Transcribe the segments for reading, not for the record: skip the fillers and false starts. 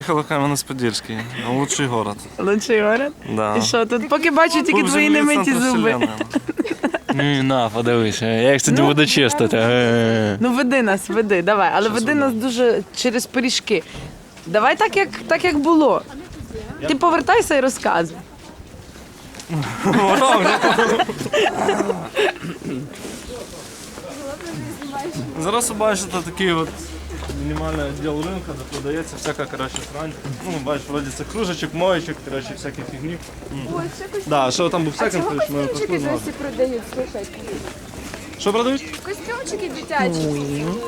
Приїхали в Кам'янець-Подільський, лучший город. Лучший город? Да. І що, тут поки бачу тільки твої немиті зуби. Ні, на, подивися, я їх сьогодні буду чистити. Ну веди нас, веди, давай. Але веди нас дуже через пиріжки. Давай так, як було. Ти повертайся і розказуй. Зараз ви бачите такий от мінімальний відділ ринку, де продається всяка, коротше, срань. Ну, бачиш, вроді це кружечок, моєчок, коротше, всякі фігні. Да, що там був секонд, ми Костюмчики досі продають, слухай. Що продають? Костюмчики дитячі.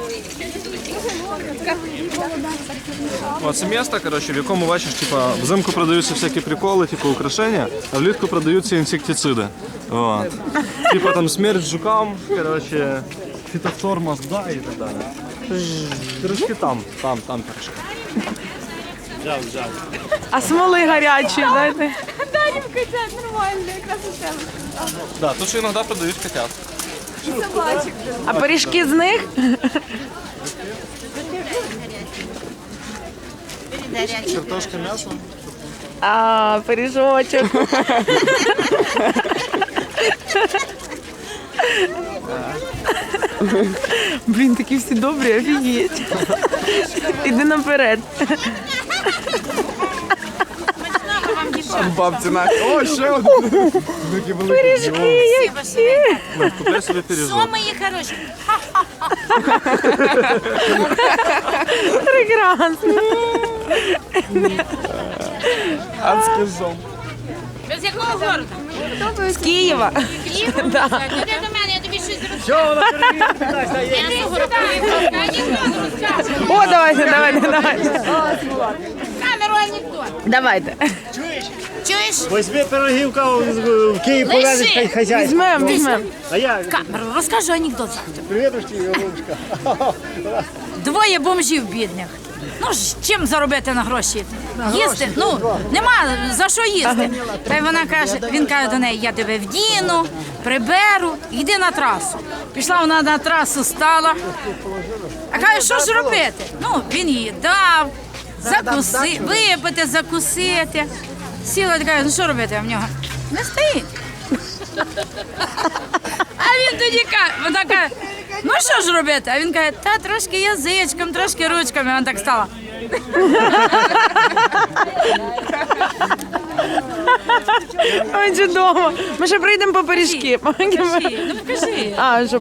Це місто, коротше, в якому, бачиш, типа, взимку продаються всякі приколи, типу украшення, а влітку продаються інсектициди. Вот. Типа там смерть жукам, коротше, фітофтор мозга і так далі. Пирожки там пирожки. Взяв. А смоли гарячі, дайте. Дарім котят, нормально, якраз у тебе. Да, тут ще іноді продають котят. І собачок. А пиріжки з них? Картошка, м'ясо. А, пиріжочок. Блін, такі всі добрі, офігеть. Іди наперед. Бабці на. О, ще один. Пиріжки які. Купляй собі пиріжок. Що мої хороші? Прекрасно. Адський зом. З якого городу? З Києва. Іди до мене, я тобі щось розкажу. Що вона перевірка? Я анекдот розкажу. О, давайте. Камеру анекдот. Давайте. Чуєш? Возьми пирогівка в Київ повезеш хай хазяйство. Візьмем. А я Камеру, розкажу анекдот завтра. привітушки, голубушка. Двоє бомжів бідних. Ну ж, чим заробити на гроші? Їсти? Ну, нема за що їсти. Та й він каже до неї, я тебе вдіну, приберу, йди на трасу. Пішла вона на трасу, стала. А каже, що ж робити? Ну, він їй дав, випити, закусити. Сіла і каже, ну що робити в нього? Не стоїть. А він тоді каже, вона каже, ну що ж робити? А він каже, та трошки язичком, трошки ручками. Вона так стала. Ой, чудово. Ми ще прийдемо по пиріжки. Ну покажи. А, що